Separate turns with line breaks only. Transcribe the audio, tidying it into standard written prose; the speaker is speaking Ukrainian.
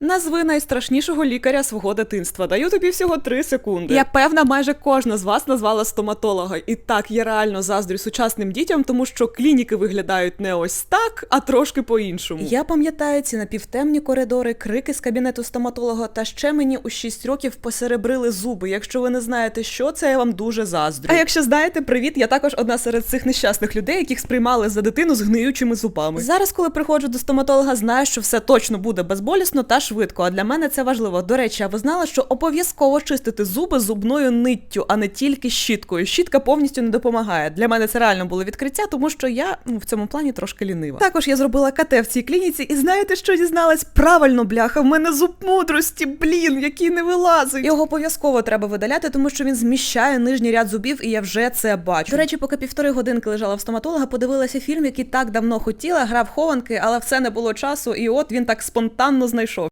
Назви найстрашнішого лікаря свого дитинства. Даю тобі всього 3 секунди. Я певна, майже кожна з вас назвала стоматолога. І так, я реально заздрю сучасним дітям, тому що клініки виглядають не ось так, а трошки по-іншому. Я пам'ятаю ці напівтемні коридори, крики з кабінету стоматолога, та ще мені у 6 років посеребрили зуби. Якщо ви не знаєте, що це, я вам дуже заздрю. А якщо знаєте, привіт, я також одна серед цих нещасних людей, яких сприймали за дитину з гниючими зубами. Зараз, коли приходжу до стоматолога, знаю, що все точно буде безболісно та швидко, а для мене це важливо. До речі, а ви знали, що обов'язково чистити зуби зубною ниттю, а не тільки щіткою. Щітка повністю не допомагає. Для мене це реально було відкриття, тому що я в цьому плані трошки лінива. Також я зробила КТ в цій клініці, і знаєте, що дізналась? Правильно, бляха, в мене зуб мудрості, який не вилазить. Його обов'язково треба видаляти, тому що він зміщає нижній ряд зубів, і я вже це бачу. До речі, поки 1,5 годинки лежала в стоматолога, подивилася фільм, який так давно хотіла, грав хованки, але все не було часу, і от він так спонтанно знайшов.